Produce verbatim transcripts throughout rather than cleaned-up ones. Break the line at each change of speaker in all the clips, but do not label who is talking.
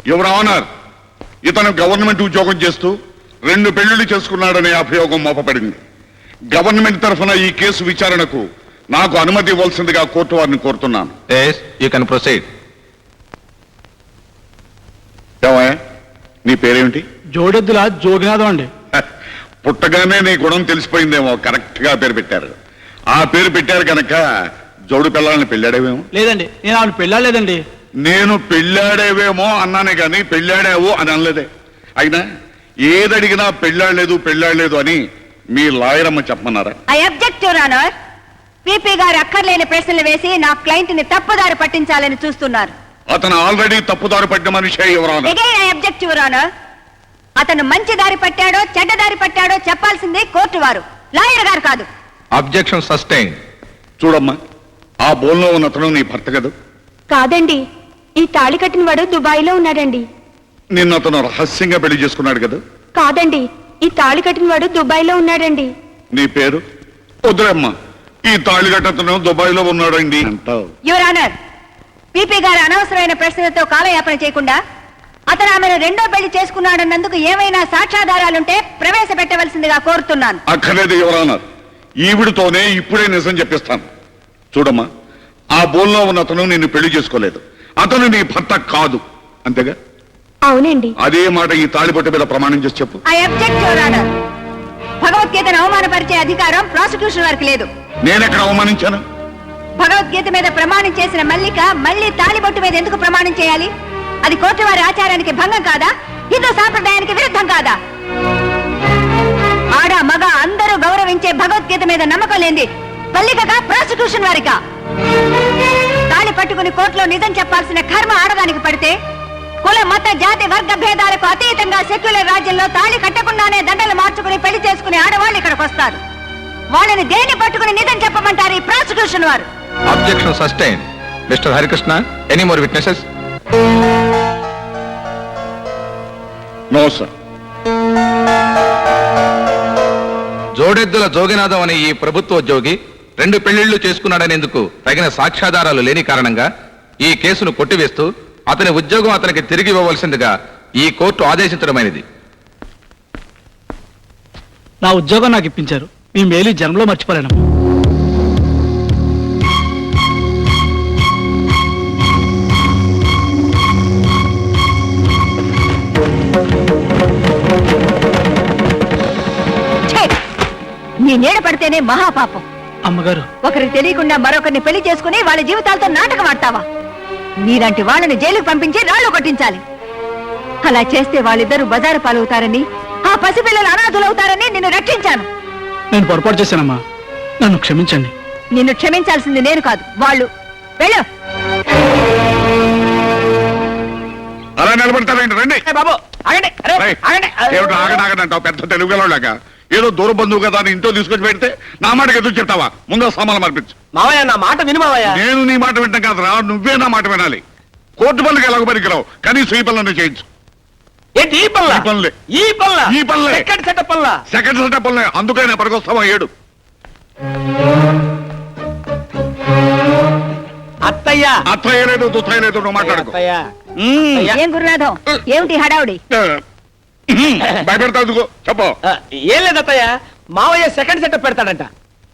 Your honour, ఇతను government ఉద్యోగం చేస్తూ రెండు పెళ్లిళ్ళు చేసుకున్నాడనే అభియోగం మోపబడింది. గవర్నమెంట్ తరఫున ఈ కేసు విచారణకు నాకు అనుమతి ఇవ్వాల్సిందిగా కోర్టు వారిని కోరుతున్నాను.
You can proceed.
ఏమయ్యా, నీ పేరేమిటి?
జోడెద్దుల జోగినాథం అండి.
పుట్టగానే నీ గుణం తెలిసిపోయిందేమో, కరెక్ట్ గా పేరు పెట్టారు. ఆ పేరు పెట్టారు కనుక జోడు పిల్లల్ని పెళ్ళాడేవేమో.
లేదండి, నేను ఆమెను పెళ్ళాలేదండి.
నేను పెళ్ళాడేవేమో అన్నానే గాని పెళ్ళాడావు అని అనలేదే. అయినా ఏదడిగినా పెళ్ళాడలేదు పెళ్ళాడలేదు అని మీ లాయర్ అమ్మ చెప్పమన్నారా?
I object your honour. PP గారు అక్కర్లేని ప్రశ్నలు వేసి నా క్లయింట్ ని తప్పుదారి పట్టించాలని చూస్తున్నారు.
అతను ఆల్రెడీ తప్పుదారి పట్టిన మనిషే ఎవరాను.
Again I object your honour. అతను మంచి దారి పట్టాడో చెడ్డ దారి పట్టాడో చెప్పాల్సింది కోర్టు వారు, లాయర్ గారు కాదు.
Objection sustain.
చూడమ్మా, ఆ బోన్లో ఉన్న అతను నీ భర్త కదా?
కాదండి, ఈ తాళి కట్టిన వాడు దుబాయ్ లో ఉన్నాడండి.
నిన్న అతను రహస్యంగా పెళ్లి చేసుకున్నాడు కదా?
కాదండి, ఈ తాళి కట్టిన వాడు దుబాయ్ లో ఉన్నాడండి.
నీ పేరు? వద్దులేమ్మా, ఈ తాళిగట్టతను దుబాయ్ లో ఉన్నాడండి అంటావు.
యువర్ ఆనర్, పీపీ గారు అనవసరమైన ప్రశ్నలతో కాలయాపన చేయకుండా అతను ఆమెను రెండో పెళ్లి చేసుకున్నాడన్నందుకు ఏమైనా సాక్ష్యాధారాలుంటే ప్రవేశపెట్టవలసిందిగా కోరుతున్నాను.
అక్కర్లేదు ఎవరన్నారు, ఈవిడితోనే ఇప్పుడే నిజం చెప్పిస్తాను. చూడమ్మా, ఆ బోన్లో ఉన్న అతను నిన్ను పెళ్లి చేసుకోలేదు, అతను నీ భర్త కాదు, అంతేగా?
అవునండి.
అదే మాట ఈ తాళిబొట్టు మీద ప్రమాణం చేసి చెప్పు.
I object your honour. భగవద్గీతను అవమానపరిచే అధికారం ప్రాసిక్యూషన్ వారికి లేదు.
నేనెక్కడ అవమానించాను?
భగవద్గీత మీద ప్రమాణం చేసిన మల్లిక మళ్ళీ తాళిబొట్టు మీద ఎందుకు ప్రమాణం చేయాలి? అది కోర్టు వారి ఆచారానికి భంగం కాదా? హిందూ సాంప్రదాయానికి విరుద్ధం కాదా? ఆడ మగ అందరూ గౌరవించే భగవద్గీత మీద నమ్మకం లేని మల్లికగా ప్రాసిక్యూషన్ వారిగా తాళి పట్టుకుని కోర్టులో నిజం చెప్పాల్సిన కర్మ ఆడదానికి పడితే, కుల మత జాతి వర్గ భేదాలకు అతీతంగా సెక్యులర్ రాజ్యంలో తాళి కట్టకుండానే దండలు మార్చుకుని పెళ్లి చేసుకునే ఆడవాళ్ళు ఇక్కడికి వస్తారు. వాళ్ళని దేన్ని పట్టుకుని నిజం చెప్పమంటారు ఈ ప్రాసిక్యూషన్ వారు?
Objection sustain. Mister Harikrishna, any more witnesses?
No sir.
జోడెద్దుల జోగినాథం అనే ఈ ప్రభుత్వ ఉద్యోగి రెండు పెళ్లిళ్లు చేసుకున్నాడనేందుకు తగిన సాక్ష్యాధారాలు లేని కారణంగా ఈ కేసును కొట్టివేస్తూ అతని ఉద్యోగం అతనికి తిరిగి ఇవ్వవలసిందిగా ఈ కోర్టు ఆదేశించడమైనది.
నా ఉద్యోగం నాకు ఇప్పించారు, మీ మేలు ఈ జన్మలో మర్చిపోలేనమ్మా.
నీ నీడ పడితేనే మహాపాపం.
అమ్మగారు,
ఒకరికి తెలియకుండా మరొకరిని పెళ్లి చేసుకుని వాళ్ళ జీవితాలతో నాటకం ఆడతావా? నీలాంటి వాళ్ళని జైలుకు పంపించి రాళ్లు కొట్టించాలి. అలా చేస్తే వాళ్ళిద్దరూ బజారు పాలవుతారని, ఆ పసిపిల్లలు అనాథులవుతారని నిన్ను రక్షించాను.
నేను పొరపాటు చేశానమ్మా, నన్ను క్షమించండి.
నిన్ను క్షమించాల్సింది నేను కాదు, వాళ్ళు. వెళ్ళు.
అలా నిలబడతారండి, రండి.
బాబు ఆగండి.
ఏమిటో ఆగడాగదంటావు పెద్ద తెలుగులోలాగా? ఏదో దూర బంధువు కదా అని ఇంట్లో తీసుకొచ్చి పెడితే నా మాటకి ఎదురు చెప్తావా? ముందు సామాన్లు మార్పించు.
మావయ్య, నా మాట విను మావయ్య.
నేను నీ మాట వింటాం కాదు రా, నువ్వే నా మాట వినాలి. కోర్టు పనులకి ఎలాగో పనికిరావు, కనీసం ఈ పనులను చేయించు.
ఏంటి ఈ పనుల?
ఈ పనులే
ఈ పనుల
ఈ పనులే
సెకండ్ సెటప్ పనుల
సెకండ్ సెటప్ పనులే అందుకైనా పనికొస్తావా? ఏడు.
అత్తయ్య.
అత్తయ్య లేదు దుత్తయ్య లేదు, నువ్వు మాట్లాడుకో.
ఏం గురునాథం, ఏమిటి హడావుడి?
భయపెడతావు చెప్పు.
ఏం లేదు అత్తయ్య, మావయ్య సెకండ్ సెటప్ పెడతాడంట.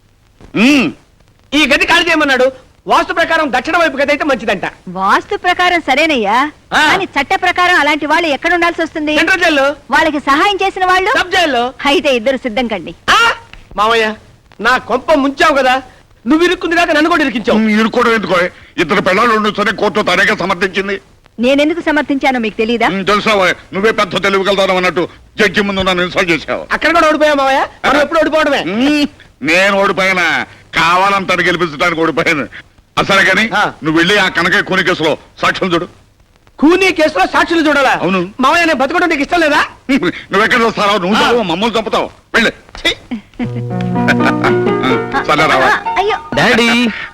ఈ గది ఖాళీ చేయమన్నాడు. వాస్తు ప్రకారం దక్షిణ వైపు గది అయితే మంచిదంట.
వాస్తు ప్రకారం సరేనయ్యా, కానీ చట్ట ప్రకారం అలాంటి వాళ్ళు ఎక్కడ ఉండాల్సి వస్తుంది?
సెంట్రల్ జైల్లో.
వాళ్ళకి సహాయం చేసిన వాళ్ళు
సబ్ జైల్లో.
అయితే ఇద్దరు సిద్ధం కండి.
మావయ్య, నా కొంప ముంచావు కదా, నువ్వు ఇరుక్కుంది కాక నన్ను కూడా ఇరికించావు.
ఇరుక్కోవడం ఎందుకో? ఇద్దరు పిల్లలు ఉండొచ్చని కోర్టు తనేగా సమర్థించింది.
నేనెందుకు సమర్థించానో మీకు తెలీదా?
తెలుసావా? నువ్వే పెద్ద తెలివిగలుగుతావు అన్నట్టు జడ్జి ముందు నన్ను ఇన్సల్ట్ చేశావు.
అక్కడ కూడా ఓడిపోయా మావయ్య, మనం ఎప్పుడు ఓడిపోవడమే.
నేను ఓడిపోయినా, కావాలంతా గెలిపించడానికి ఓడిపోయాను. అసలే కానీ నువ్వు వెళ్ళి ఆ కనక కూని కేసులో సాక్ష్యం చూడు.
కూనీ కేసులో సాక్షులు చూడాలా?
అవును.
మావయ్య, నేను బతకడం నీకు ఇష్టం లేదా?
నువ్వెక్కడ వస్తావు? నువ్వు చదువు, మమ్మల్ని చంపుతావు. వెళ్ళి. సరే రావా.
అయ్యో
daddy.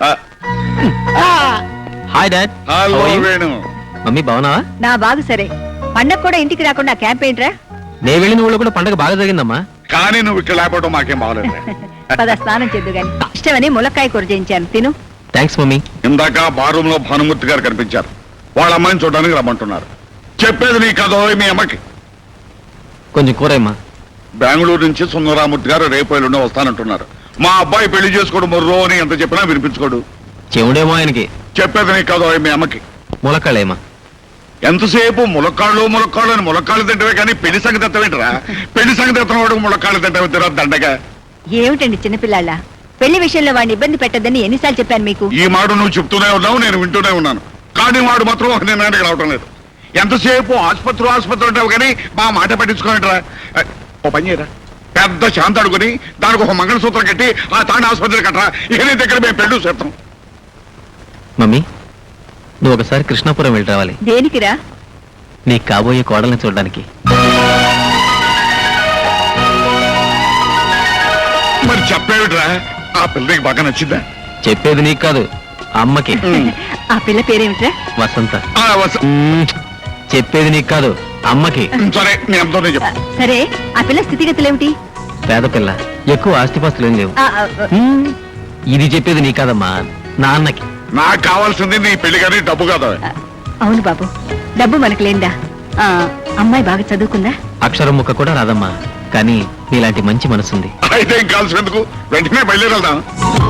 Hi dad.
Hello Venu.
Mummy బాగున్నావా?
నా బాగు సరే. పండగ కూడా ఇంటికి రాకుండా క్యాంప్ ఏంట్రా?
నేను వెళ్ళిన ఊళ్ళో కూడా పండగ బాగా జరిగిందమ్మా.
కానీ నువ్వు ఇక్కడ లేకపోవడం మాకేం బాగలేదు.
పద స్నానం చేద్దు గాని. ఇష్టమని ములక్కాయ కూర చేయించాను, తిను.
Thanks mummy.
ఇందాక బారూమ్ లో భానుమూర్తి గారు కనిపించారు. వాళ్ళ అమ్మాయిని చూడడానికి రమ్మంటున్నారు. చెప్పేది నీ కథ మీ అమ్మకి.
కొంచెం కూరమ్మా.
బెంగళూరు నుంచి సుందరామూర్తి గారు రేపు ఎల్లుండి వస్తానంటున్నారు. మా అబ్బాయి పెళ్లి చేసుకోడు మొర్రో అని ఎంత చెప్పినా వినిపించుకోడు.
చెవుడేమో ఆయనకి.
చెప్పేది నీ కథ మీ అమ్మకి.
ములక్కాళ్ళేమా.
ఎంతసేపు ములక్కాళ్ళు ములక్కాళ్ళు అని ములక్కాళ్ళు తింటవే కానీ పెళ్లి సంగతి ఎత్తవేంటరా? పెళ్లి సంగతి ఎత్తవాడు ములక్కాళ్ళు తింటవే తిరా దండగా.
ఏమిటండి చిన్నపిల్లాళ్ళ పెళ్లి విషయంలో వాడిని ఇబ్బంది పెట్టద్దని ఎన్నిసార్లు చెప్పాను మీకు?
ఈ మాట నువ్వు చెప్తూనే ఉన్నావు, నేను వింటూనే ఉన్నాను. కానీ వాడు మాత్రం ఒక నిర్ణయానికి రావటం లేదు. ఎంతసేపు ఆసుపత్రి ఆసుపత్రి ఉంటావు కానీ మా మాట పట్టించుకోనట్రా. ఓ పని చేయరా, పెద్ద శాంత అడుగుని దానికి ఒక మంగళసూత్రం కట్టి ఆ తాండ ఆసుపత్రి కట్టరా. ఇక నీ దగ్గర మేము పెళ్ళు చేస్తాం.
మమ్మీ, నువ్వు ఒకసారి కృష్ణాపురం వెళ్ళి రావాలి.
దేనికిరా?
నీ కాబోయే కోడల్ని చూడడానికి.
మరి చెప్పేవిట్రా, ఆ పిల్లకి బాగా నచ్చిందా?
చెప్పేది నీకు కాదు, అమ్మకి.
ఆ పిల్ల పేరేమిట్రా?
వసంత.
ఆ, వస-
మ్మ్. చెప్పేది నీకు కాదు, అమ్మకి.
సరే నీ అమ్మతోనే చెప్పు.
సరే, ఆ పిల్ల స్థితిగతులేమిటి?
పేద పిల్ల, ఎక్కువ ఆస్తిపాస్తులు ఏం లేవు.
ఆ, ఆ,
మ్మ్. ఇది చెప్పేది నీ కాదమ్మా, నాన్నకి.
నాకు కావాల్సింది నీ పెళ్లి కానీ డబ్బు కాదా?
ఆ, అవును బాబు, డబ్బు మనకు లేందా? ఆ, అమ్మాయి బాగా చదువుకుందా?
అక్షరం ముక్క కూడా రాదమ్మా, కానీ నీలాంటి మంచి మనసుంది.
అయితే ఏం కావాల్సినందుకు వెంటనే బయలుదేరదాం.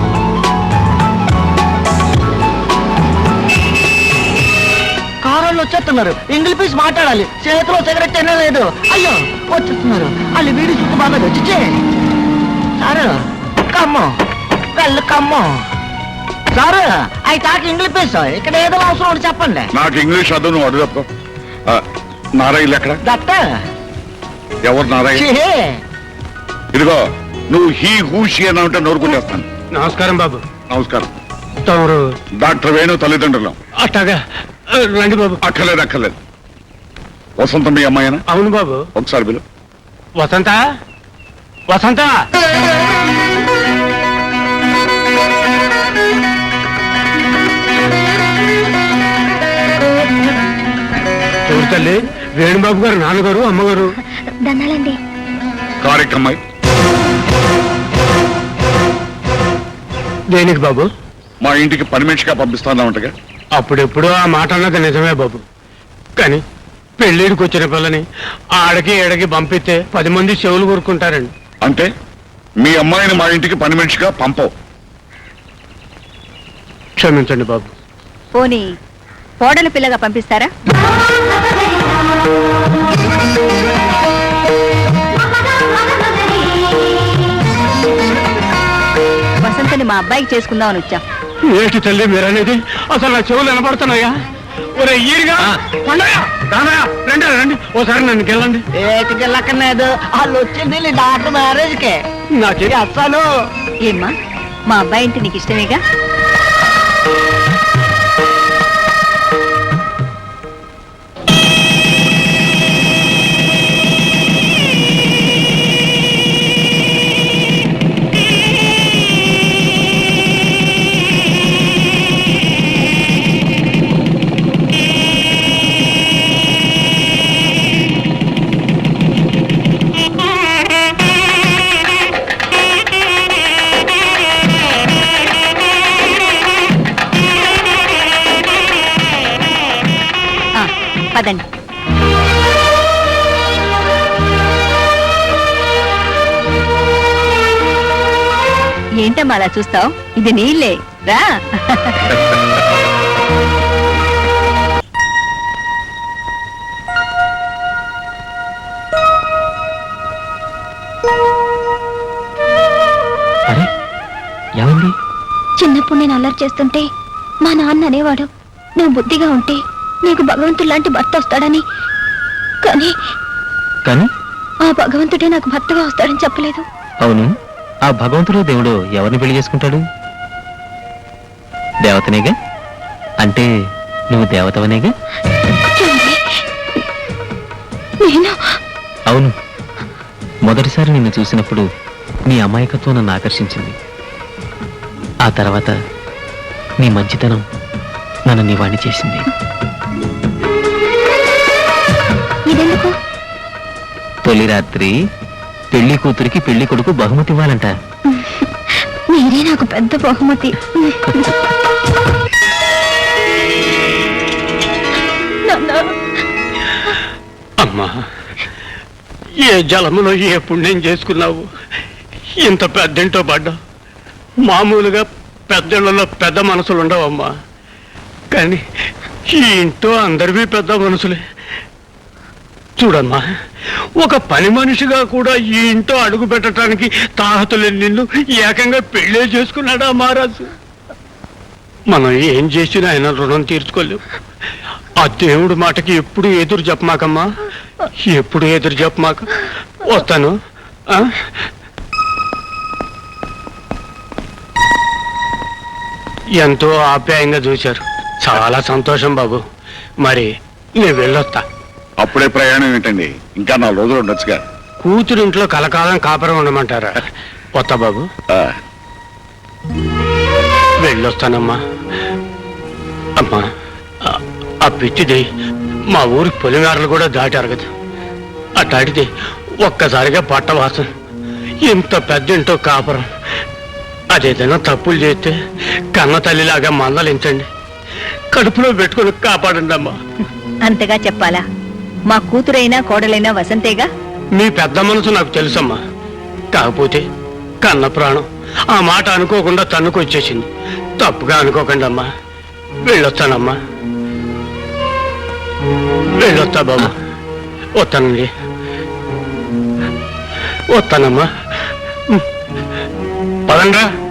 కారోళ్ళు వచ్చేస్తున్నారు. ఇంగ్లీష్ పీస్ మాట్లాడాలి. చేతిలో సిగరెట్ అయినా లేదు. అయ్యో వచ్చేస్తున్నారు. వాళ్ళు వీడి చుట్టూ బాగా వచ్చి సారు కమ్ము వెళ్ళు కమ్ము సారు అవి తాకి ఇంగ్లీష్ పీస్ ఇక్కడ ఏదో అవసరం ఉంటే చెప్పండి.
నాకు ఇంగ్లీష్ అదు, నువ్వు అడుగు తప్ప. నారాయణ ఎక్కడ?
దత్త
ఎవరు నారాయణ?
ఛీ!
ఇదిగో నువ్వు హీ హూషి అని అంటే నోరు కొట్టేస్తాను.
నమస్కారం బాబు.
నమస్కారం.
తమరు
డాక్టర్ వేణు తల్లిదండ్రులం.
అట్టాగా రండి బాబు.
అక్కర్లేదు అక్కర్లేదు. వసంత మీ అమ్మాయినా?
అవును బాబు.
ఒకసారి బిలు.
వసంత వసంత చూడు తల్లి, వేణుబాబు గారు నాన్నగారు అమ్మగారు.
దండాలండి.
కారెక్కమ్మాయి
దేనికి బాబు?
మా ఇంటికి పని మనిషిగా పంపిస్తానంటగా.
అప్పుడెప్పుడు ఆ మాట అన్నది నిజమే బాబు, కానీ పెళ్ళిడికి వచ్చిన పిల్లని ఆడకి ఏడకి పంపిస్తే పది మంది చెవులు కోరుకుంటారండి.
అంటే మీ అమ్మాయిని మా ఇంటికి పని మనిషిగా పంపవు.
క్షమించండి బాబు.
పోనీ కోడలు పిల్లగా పంపిస్తారా? వసంతని మా అబ్బాయికి చేసుకుందామని వచ్చాం.
ఏంటి తల్లి మీరనేది? అసలు నా చెవులు వినపడుతున్నాయా? ఒరే ఈరిగా పండగ దానయ్య రండి రండి ఓసారి నన్ను గెలండి.
ఏటికి వెళ్ళక్కర్లేదు. వాళ్ళు వచ్చింది నీ డాక్టర్ మ్యారేజ్ కే.
నా చెవి
అస్సలు
ఏమ్మా, మా అబ్బాయి అంటే నీకు ఇష్టమేగా? పదండి. ఏంటమ్మా అలా చూస్తావు? ఇది నీళ్ళే రా.
అరే ఏమైంది?
చిన్నప్పుడు నేను అల్లరి చేస్తుంటే మా నాన్న అనేవాడు, నువ్వు బుద్ధిగా ఉంటే నీకు భగవంతుడు లాంటి భర్త వస్తాడని. కానీ
కానీ
ఆ భగవంతుడే నాకు భర్తగా వస్తాడని చెప్పలేదు.
అవును, ఆ భగవంతుడు దేవుడు ఎవరిని పెళ్లి చేసుకుంటాడు? దేవతనేగా. అంటే నువ్వు దేవతవనేగా?
నేను
అవును, మొదటిసారి నిన్ను చూసినప్పుడు నీ అమాయకత్వం నన్ను ఆకర్షించింది. ఆ తర్వాత నీ మంచితనం నన్ను నీ వాణ్ణి చేసింది.
ఇదెందుకు?
తొలి రాత్రి పెళ్లి కూతురికి పెళ్లి కొడుకు బహుమతి ఇవ్వాలంట.
మీరే నాకు పెద్ద బహుమతి. నాన్న,
అమ్మా, ఏ జలములో ఏ పుణ్యం చేసుకున్నావు, ఇంత పెద్దింటో పడ్డా. మామూలుగా పెద్దళ్ళలో పెద్ద మనసులు ఉండవమ్మా, కానీ ఈ ఇంట్లో అందరివి పెద్ద మనసులే. చూడమ్మా, ఒక పని మనిషిగా కూడా ఈ ఇంట్లో అడుగు పెట్టడానికి తాహతులేని నిన్ను ఏకంగా పెళ్ళే చేసుకున్నాడా మహారాజు. మనం ఏం చేసినా ఆయన రుణం తీర్చుకోలేవు. ఆ దేవుడి మాటకి ఎప్పుడు ఎదురు చెప్పమాకమ్మా, ఎప్పుడు ఎదురు చెప్పమాక. వస్తాను. ఆ? ఎంతో ఆప్యాయంగా చూశారు, చాలా సంతోషం బాబు. మరి నేను వెళ్ళొస్తా.
అప్పుడే ప్రయాణం ఏంటండి, ఇంకా నాలుగు రోజులు ఉండొచ్చుగా.
కూతురింట్లో కలకాలం కాపురం ఉండమంటారా? వస్తా బాబు,
ఆ,
వెళ్ళొస్తానమ్మా. అమ్మా, ఆ- ఆ పిచ్చిది మా ఊరి పొలిమేరలు కూడా దాటారు కదా, అట్లాంటిది ఒక్కసారిగా పట్టవాసం. ఇంత పెద్దింటో కాపురం. అదేదైనా తప్పులు చేస్తే కన్న తల్లిలాగా మందలించండి, కడుపులో పెట్టుకుని కాపాడండి అమ్మా.
అంతగా చెప్పాలా? మా కూతురైనా కోడలైనా వసంతేగా.
మీ పెద్ద మనసు నాకు తెలుసమ్మా, కాకపోతే కన్న ప్రాణం ఆ మాట అనుకోకుండా తన్నుకొచ్చేసింది. తప్పుగా అనుకోకండి అమ్మా. వెళ్ళొస్తానమ్మా, వెళ్ళొస్తా బాబు. వస్తానండి, వస్తానమ్మా. పదండ్రా.